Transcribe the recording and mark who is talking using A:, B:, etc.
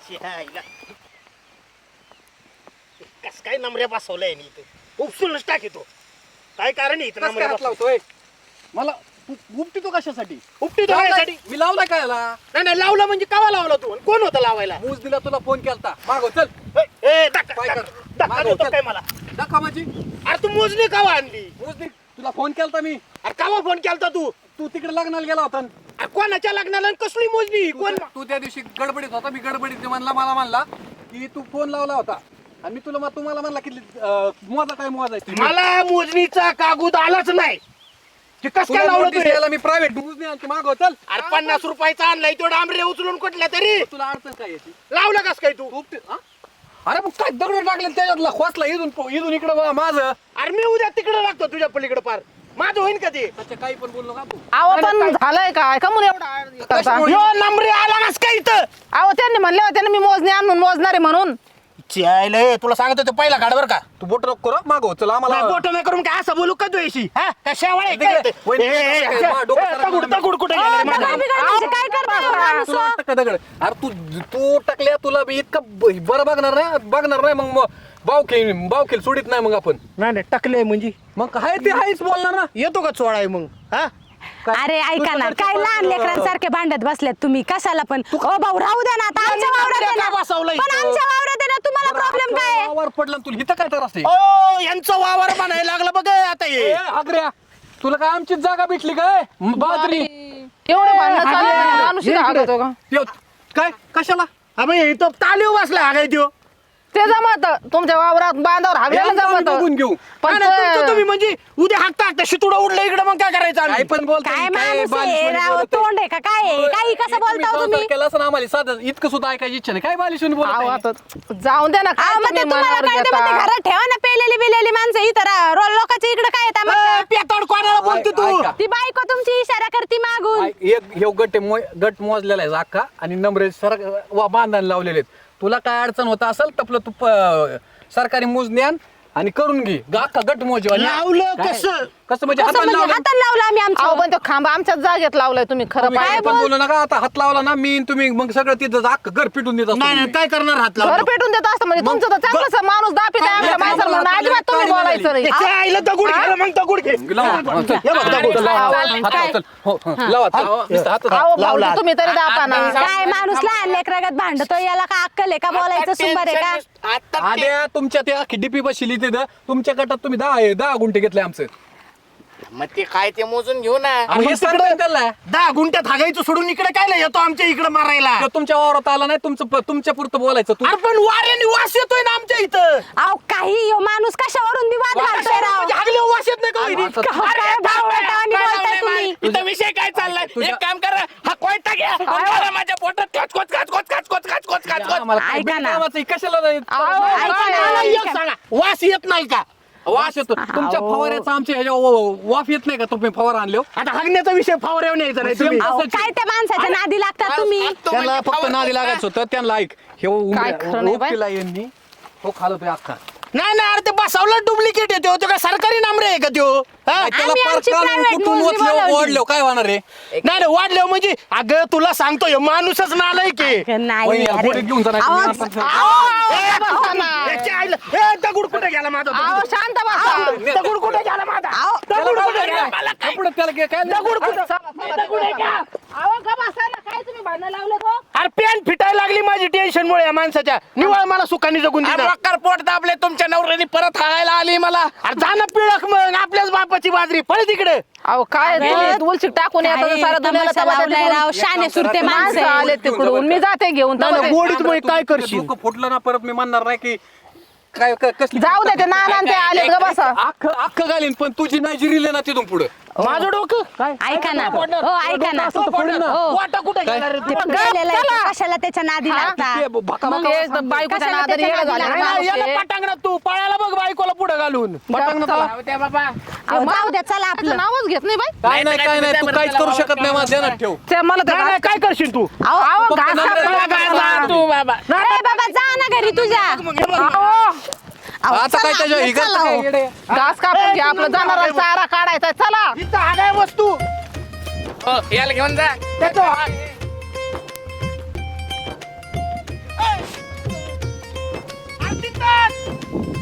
A: कस काय नंबऱ्या बसवलाय नी इथे उपसूनच टाकीतो. काय कारण आहे इथं
B: कसं काय
A: नंबऱ्या
B: हात लावतोय मला? उपटी तो कशासाठी?
A: उपटीतो कशासाठी?
B: मी लावलाय काय याला?
A: नाही लावला म्हणजे कावा लावला तू आणि कोण होता लावायला?
B: मूज दिला तुला फोन केलता. मागव चल.
A: धक्का
B: काय कर?
A: धक्का
B: मागव
A: देतो
B: चल.
A: काय मला?
B: दाखवा माझी
A: अरे तू मोजली कावा आणली?
B: मूज दे. तुला फोन केलता मी.
A: अरे कावा फोन केलता तू?
B: तू तिकडे लग्नाला गेला होता.
A: अरे कोणाच्या लग्नाला आणि कसली मोजली? कोण?
B: तू त्या दिवशी गडबडीत होता. मी गडबडीत मला म्हणला की तू फोन लावला होता आणि मी तुम्हाला म्हणला की मोजा काय मोजायचं.
A: मला मोजणीचा कागद आलाच नाही. ते कस काय लावलं तू?
B: याला मी प्रायव्हेट मूज नाही आणते. मागव चल.
A: अरे 50 रुपयाचा आणलाय तो डांबरे उचलून कुठल्या तरी
B: तुला अडचण काय याची?
A: लावलं कस काय तू?
B: हा? अरे मग काय दगड टाकले त्याच्यातला खोसला इथून इकडं माझं.
A: अरे मी उद्या तिकडे लागतो तुझ्या पलीकडे पार. माझं होईन का ते?
B: अच्छा काही पण बोललो का तू?
C: अहो पण झालंय काय का म्हणून एवढा
B: कशामुळे?
A: यो नंबरे आला कस काय इथं?
C: अहो त्यांनी म्हणले होते ना मी मोजणी आणून मोजणारे म्हणून.
A: चायले तुला सांगतो ते पहिला काढ बर का.
B: तू बोट नको करू मागव चल आम्हाला.
A: बोट नाही करून काय असं बोलू का तू याशी? हा कशामुळे दगड कुठे
C: काय करता
B: तुला वाटतं का दगड? अरे तू टाकल्या तुला बी इतकं बरं बघणार नाही मग बावखेल सोडित नाही मग आपण.
A: नाही टाकले म्हणजे
B: मग काय ते आहेच बोलणार ना.
A: येतो का चोळाय मग? हा
D: अरे ऐका ना काय लहान लेकरांसारखे भांडत बसलेत तुम्ही कशाला पण. ओ भाऊ राहू द्या ना आता आमच्या वावरात आहे ना.
A: बसवलं
D: पण आमच्या वावरात आहे ना तुम्हाला प्रॉब्लेम काय आहे?
B: वावर पडला तुला इथं काय तर असते?
A: ओ यांचं वावर म्हणायला लागलं बघ आता हे.
B: आग्र्या तुला काय आमचीच जागा भेटली काय? बाजरी
C: एवढे भांडण चालू आहे, माणूस इथं हागतो का?
B: काय कशाला?
A: अबे तो तालीव बसला हा काय त्यो?
C: ते जमत तुमच्या वावरात बांधावर हागलेलं जमत
B: बघून घेऊ.
C: पण
A: नाही, नाही, तुमचं तुम्ही म्हणजे उद्या हाकता शितुडा उडलं इकडे मग काय करायचं
B: काय
A: आम्ही?
B: पण बोलताय,
D: काय
B: काय
D: माणूस आहे
B: बालिशपणे
D: राव
B: बोलताय.
D: तोंड आहे का काय आहे? काही कसं बोलता हो तुम्ही?
B: केलं असं आम्हाला साधं इतकं सुद्धा ऐकायची इच्छा नाही. काय बालिशून
C: अहो,
B: बोलत
C: आता जाऊन दे ना काय
D: मग ते
C: तुम्ही
D: तुम्हाला
C: मनावर
D: कळते मग ते
C: घेता?
D: घरात ठेवा ना पेलेली माणसं इथं लोकांच्या इकडे काय येतात मग?
A: पेताड कोणाला बोलते तू?
B: ऐका.
D: ती बायको तुमची इशारा करते मागून.
B: एक हे गट मोजलेला आहे अख्खा आणि नंबरे बांधायला लावलेले आहेत. तुला काय अडचण होत असेल तर आपलं तू सरकारी मोजणी आण आणि करून घे. अख्खा गट मोजवा.
A: लावलं कसं?
B: कसं म्हणजे
D: कसं
B: हाताने
D: म्हणजे
B: लावलं?
D: हाताला लावलं आम्ही
C: अहो
D: आमचं.
C: पण तो खांबा आमच्याच जागेत लावलाय तुम्ही खरं
B: तुम्ही
C: पाहिजे.
B: काय पण बोलू नका. आता हात लावला ना मी तुम्ही मग सगळं तिथं अख्खं घर पिटून देत असतो
A: नाही नाही
B: तुम्ही.
A: काय करणार हात
C: घर
A: लावून?
C: पेटून देत असतं म्हणजे तुमचं तर चांगलं माणूस दापित आहे आमच्या
B: काय
C: माणसाला म्हणून
B: काय
C: अजिबात तुम्ही
B: काय
C: बोलायचं नाही.
A: त्याच्या आईला दगड घे मग दगड घे.
B: लावा. चल.
A: हे बघ, दगड.
B: चल, लावा.
D: चालेल,
B: हात लावा,
D: काय?
B: चल. हो, हो. लावा, लावा. नुसतं हात लावा.
C: अहो
A: लावला.
C: भाऊजी तुम्ही तरी दापा ना.
D: काय माणूस लहान लेकरागत भांडतोय याला का अक्कल आहे का बोलायचं सुंबर आहे का?
A: आता
B: आद्या तुमच्या त्या डीपी बसली तिथं तुमच्या गटात तुम्ही 10 गुंठे घेतले आमचं.
A: मग ते काय ते मोजून घेऊ ना.
B: आणि हे सांगताय त्याला
A: 10 गुंठ्यात हागायचं सोडून इकडे काय येतो आमच्या इकडे मारायला?
B: तो तुमच्या वावरात आला नाही तुमच्या पुरतं बोलायचं.
A: अरे पण वाऱ्याने वास येतोय ना आमच्या इथं.
D: अहो काही ह्यो माणूस कशावरून बी वाद घालतोय राव.
A: म्हणजे हागल्यावर वास येत नाही का वहिनी?
B: आता-
A: अरे
D: काय
A: थांब
D: भावटावानी
A: काय
D: बोलताय
A: लावलंय
D: तुम्ही?
A: मला? इथं विषय काय चाललाय?
B: तुझ्या-
A: एक काम करा हा कोयता घ्या आणि मारा माझ्या पोटात काच.
B: आम्हाला काय
D: ऐका ना.
B: बिनकामाचं आहे, कशाला नाही?
C: अहो,
D: ऐका
C: काय
D: ना.
A: मला
C: आहे?
A: एक सांगा वास येत नाही का?
B: वास येतो तुमच्या फवाऱ्याचा आमच्या ह्याच्या वाफ येत नाही का तुम्ही फवारा आणले?
A: आता हागण्याचा विषय फावऱ्यावर न्यायचा नाही तुम्ही.
D: अहो, काय त्या माणसाच्या नादी लागतात तुम्ही?
B: त्यांना फक्त नादी लागायचं होतं त्यांना ऐक हे
C: काय खरं नाही बाई?
B: उपटीला यांनी तो खालतोय अख्खा.
A: नाही ना अरे ते बसावलं डुप्लिकेट येतो तो काय सरकारी नामरे आहे का त्यो? हा?
B: त्याला
D: आम्ही
B: पार
D: आमची
B: काढून
D: private
B: कुठून
D: मोजणी बोलावली.
B: ओढलो काय होणार रे?
A: नाही वाढले म्हणजे अगं तुला सांगतोय माणूसच नालाय की.
D: नाही
B: वही,
D: अरे.
B: गोडीत घेऊन जा नाही
D: अहो,
B: तुम्ही आता.
A: दगड कुठे गेला माझा?
C: अहो शांत बसा.
A: दगड कुठे गेला माझा? दगड कुठे गेला? मला काय-
B: कपड्यात त्याला काय
A: दगड कुठे? दगड आहे का? अरे पेन फिटायला लागली माझी टेन्शन मुळे या माणसाच्या. निवळ मला सुखाने जगून दिलं. पोट दाबले तुमच्या नवऱ्याने परत हागायला आली मला. अरे जाणं पिळक मग आपल्याच बापाची बाजरी पळ तिकडे.
C: अहो काय
D: अरे,
C: तुलसी टाकून येतात
D: काय
C: सारा दुनियाला
D: तमाशा लावलाय राव, शाने सुरते
C: माणसं
D: माणसं
C: आले तिकडून मी जाते घेऊन
A: नाही,
C: तेव्हा
A: नाही,
C: ते-
A: गोडीत मग काय करशील?
B: डोकं फुटलं ना परत मी म्हणणार नाही की काय कसली
C: जाऊ दे ते नाना ते आले ग बसा.
B: अख्खं घालीन पण तुझी नाही जिरीले ना तिथून पुढे
A: माझं डोकं काय
D: ऐका ना हो ऐका ना हो.
A: वाटा कुठे गेला रे
D: ते
A: तू?
D: गेलेलं आहे,
C: चला.
D: ते कशाला त्याच्या नादी लागतात?
C: मग हे बायकोच्या
D: कशाला
C: नादाने
D: त्याच्या
C: येडं
D: नादी
C: झालं
D: लागला?
C: माणूस
A: याला
C: हे.
A: पटांगणात तू पळायला बघ बायकोला पुढे घालून.
C: चला.
D: अहो, जाऊ द्या चला
C: त्याचं
D: आपलं.
C: नावच घेत नाही बाई.
B: काय नाही काय नाही तू काहीच करू शकत नाही माझ्या ध्यानात ठेव.
C: ते मला तर
A: नाही, नाही, काय करशील तू?
C: अहो घास
B: नंबर-
C: कापला
A: जा तू बाबा.
D: ए बाबा जा ना घरी तुझ्या. अहो,
B: आता काय
D: चला
B: त्याच्या
D: आपलं,
B: हिगाचं
D: चला
B: काय
D: हो.
B: येडे?
C: घास कापून घ्या आपलं जनावरांचा चारा काढायचा चला.
A: इथं हागाय वस्तू
E: याला घेऊन जा.
A: देतो.
B: आहे